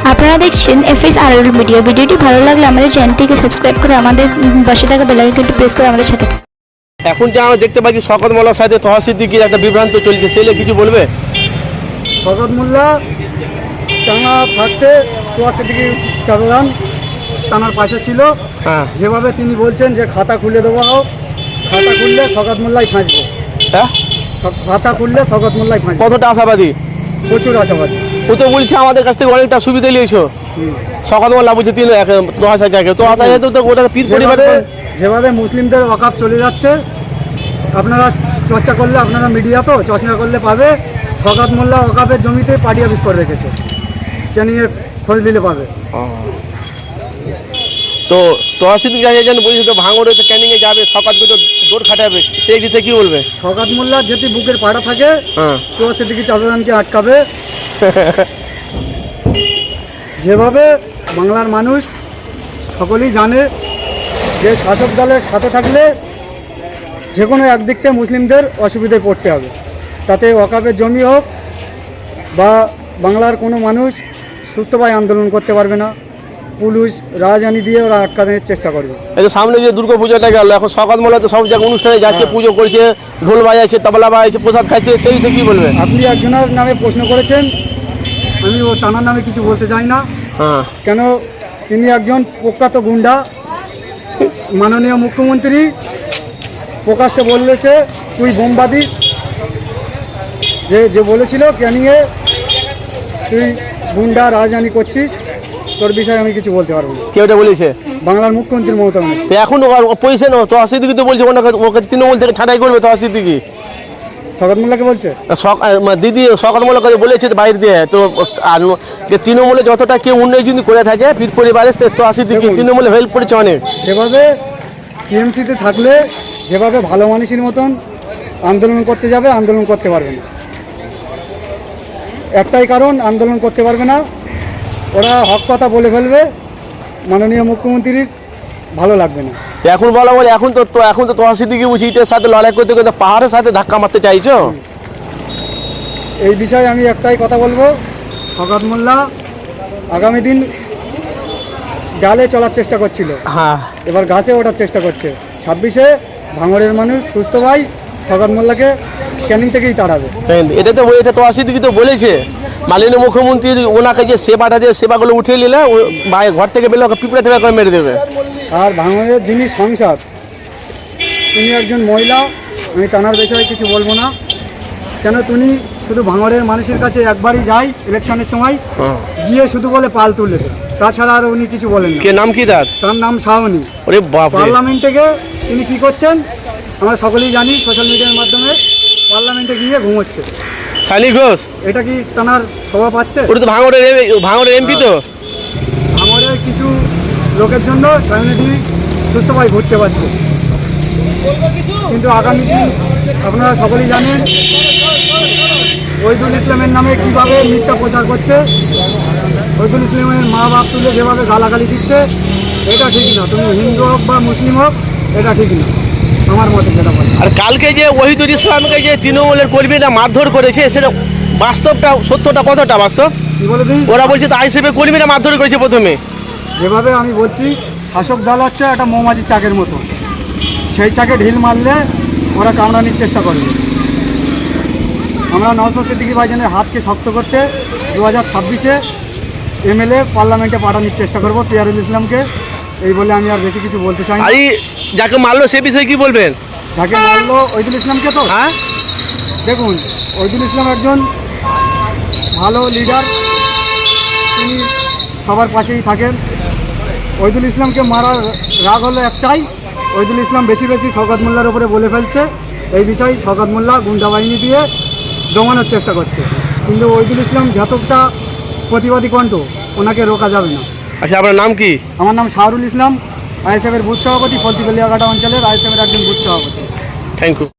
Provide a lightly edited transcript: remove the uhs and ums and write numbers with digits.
আপনারা দেখছেন FSRL media. ভিডিওটি ভালো লাগলে আমাদের চ্যানেলটিকে সাবস্ক্রাইব করে আমাদের পাশে থাকা বেল আইকনটি প্রেস করে আমাদের সাথে। এখন যে আমরা দেখতে পাচ্ছি শওকত মোল্লার সাথে তহা সিদ্দিকীর একটা বিভ্রান্ত চলছে, সেলে কিছু বলবে? শওকত মোল্লা টানা থাকতে তহা সিদ্দিকী চাঁদাদান টানার পাশে ছিল। হ্যাঁ যেভাবে তিনি বলছেন যে খাতা খুলে দেওয়া হোক, খাতা খুললে শওকত মোল্লাই ফাঁসবে। হ্যাঁ, খাতা খুললে শওকত মোল্লাই ফাঁসবে। কতটা আশাবাদী? প্রচুর আশাবাদী। ও তো বলছে আমাদের কাছ থেকে অনেকটা সুবিধা নিয়েছো। শওকত মোল্লা বলছে তহা সাহেব তো ওটা পীর পরিবারে যেভাবে মুসলিমদের ওয়াকাফ চলে যাচ্ছে, আপনারা চর্চা করলে, আপনারা মিডিয়া তো চর্চা করলে পাবে শওকত মোল্লা ওয়াকাফের জমিতে পার্টি অফিস করে রেখেছে। ক্যানিংয়ে খোঁজ দিলে পাবে। তো তহা সিদ্দিকী যেন বলছে তো ভাঙড়ে তো ক্যানিংয়ে যাবে, শওকতকে তো দৌড় খাটাবে, সেই বিষয়ে কি বলবে? শওকত মোল্লার যদি বুকের পাড়া থাকে হ্যাঁ তহা সিদ্দিকী চাঁদাদানকে আটকাবে। যেভাবে বাংলার মানুষ সকলেই জানে যে শাসক দলের সাথে থাকলে যে কোনো একদিক থেকে মুসলিমদের অসুবিধায় পড়তে হবে। তাতে ওয়াকাফের জমি হোক বা বাংলার কোনো মানুষ সুস্থভাবে আন্দোলন করতে পারবে না। পুলিশ রাজধানী দিয়ে ওরা আটকানোর চেষ্টা করবে। এই যে সামনে যে দুর্গা পুজোটা গেল, এখন শওকত মোল্লা তো সব জায়গায় অনুষ্ঠানে যাচ্ছে, পুজো করছে, ঢোল বাজাচ্ছে, তবলা বাজাচ্ছে, প্রসাদ খাচ্ছে, সেই থেকে কি বলবে? আপনি একজনের নামে প্রশ্ন করেছেন, আমি ও টানার নামে কিছু বলতে চাই না। হ্যাঁ কেন, তিনি একজন প্রখ্যাত গুন্ডা। মাননীয় মুখ্যমন্ত্রী প্রকাশ্যে বলেছে তুই বোমবাদী, যে বলেছিল ক্যানিংয়ে তুই গুন্ডা রাজধানী করছিস, তোর বিষয়ে আমি কিছু বলতে পারবো না। কে ওটা বলেছে? বাংলার মুখ্যমন্ত্রী মমতা ব্যানার্জি। তো এখন পয়সা নো তহা সিদ্দিকী তো বলছে ওকে তৃণমূল থেকে ছাঁটাই করবে তহা সিদ্দিকী। শওকত মোল্লাকে বলছে দিদি শওকত মোল্লা কথা বলেছে বাইরে দিয়ে, তো আর যে তৃণমূলে যতটা কেউ উন্নয়ন যদি করে থাকে পীর পরিবারে তহা সিদ্দিকী তৃণমূলে হেল্প করেছে অনেক। সেভাবে টিএমসিতে থাকলে যেভাবে ভালো মানুষের মতন আন্দোলন করতে যাবে, আন্দোলন করতে পারবে না। একটাই কারণ, আন্দোলন করতে পারবে না, ওরা হক কথা বলে ফেলবে, মাননীয় মুখ্যমন্ত্রীর ভালো লাগবে না। এখন বলা বলে এখন তো তহা সিদ্দিকী বুঝি ইটের সাথে লড়াই করতে করতে পাহাড়ের সাথে ধাক্কা মারতে চাইছো। এই বিষয়ে আমি একটাই কথা বলবো, শওকত মোল্লা আগামী দিন ডালে চলার চেষ্টা করছিল, হ্যাঁ এবার গাছে ওঠার চেষ্টা করছে। 26-এ ভাঙড়ের মানুষ সুস্থ ভাই শওকত মোল্লাকে ক্যানিং থেকেই তাড়াবে। এটা তহা সিদ্দিকী তো বলেছে মাননীয় মুখ্যমন্ত্রী ওনাকে যে সেবাটা দিয়ে সেবাগুলো উঠিয়ে নিলে ঘর থেকে বেরোলে ওকে পিঁপড়ে টেপা করে মেরে দেবে। আর ভাঙড়ের যিনি সাংসদ, তিনি একজন মহিলা। আমি তানার বিষয়ে কিছু বলবো না, কেন তিনি শুধু ভাঙড়ের মানুষের কাছে একবারই যায় ইলেকশনের সময়, গিয়ে শুধু বলে পাল তুলে দেয়, তাছাড়া আর উনি কিছু বলেন না। কে নাম কি তার? তার নাম শাওনি। ওরে বাপ রে। পার্লামেন্টে গিয়ে তিনি কি করছেন আমরা সকলেই জানি, সোশ্যাল মিডিয়ার মাধ্যমে পার্লামেন্টে গিয়ে ঘুমোচ্ছে। শানি ঘোষ, এটা কি তার শোভা পাচ্ছে? ওটা তো ভাঙড়ের এমপি তো। ভাঙড়ের কিছু লোকের জন্য শাওনি সুস্থভাবে ঘুরতে পারছে, কিন্তু আগামী দিন আপনারা সকলেই জানেন ওহিদুল ইসলামের নামে কিভাবে মিথ্যা প্রচার করছে। ওহিদুল ইসলামের মা বাপ তুলে যেভাবে গালাগালি দিচ্ছে, এটা ঠিক না। তুমি হিন্দু হোক বা মুসলিম হোক, এটা ঠিক না আমার মতে যেটা বলে। আর কালকে যে ওহিদুল ইসলামকে যে তৃণমূলের কর্মীরা মারধর করেছে, সেটা বাস্তবটা সত্যটা কতটা বাস্তব? কি বলে দিই, ওরা বলছে তো আইসিএফের কর্মীরা মারধর করেছে প্রথমে। যেভাবে আমি বলছি, শাসক দল হচ্ছে একটা মৌমাছির চাকের মতো, সেই চাকে ঢিল মারলে ওরা কামড়ানোর চেষ্টা করবে। আমরা নওশাদ সিদ্দিকী ভাইজানের হাতকে শক্ত করতে 2026-এ এমএলএ পার্লামেন্টে পাঠানোর চেষ্টা করব পিয়ারুল ইসলামকে। এই বলে আমি আর বেশি কিছু বলতে চাই না। আর যাকে মারলো সে বিষয়ে কি বলবেন? যাকে মারলো ওহিদুল ইসলামকে, তো হ্যাঁ দেখুন, ওহিদুল ইসলাম একজন ভালো লিডার, তিনি সবার পাশেই থাকেন। ওহিদুল ইসলামকে মারার রাগ হলো একটাই, ওহিদুল ইসলাম বেশি বেশি শওকত মোল্লার উপরে বলে ফেলছে। এই বিষয়ে শওকত মোল্লা গুন্ডা বাহিনী দিয়ে দমানোর চেষ্টা করছে, কিন্তু ওহিদুল ইসলাম যতটা প্রতিবাদী কণ্ঠ, ওনাকে রোকা যাবে না। আচ্ছা, আপনার নাম কি? আমার নাম শাহরুল ইসলাম, আইএসএফের বুথ সভাপতি, ফলতি বেলিয়াঘাটা অঞ্চলের আইএসএফের একজন বুথ সভাপতি। Thank you.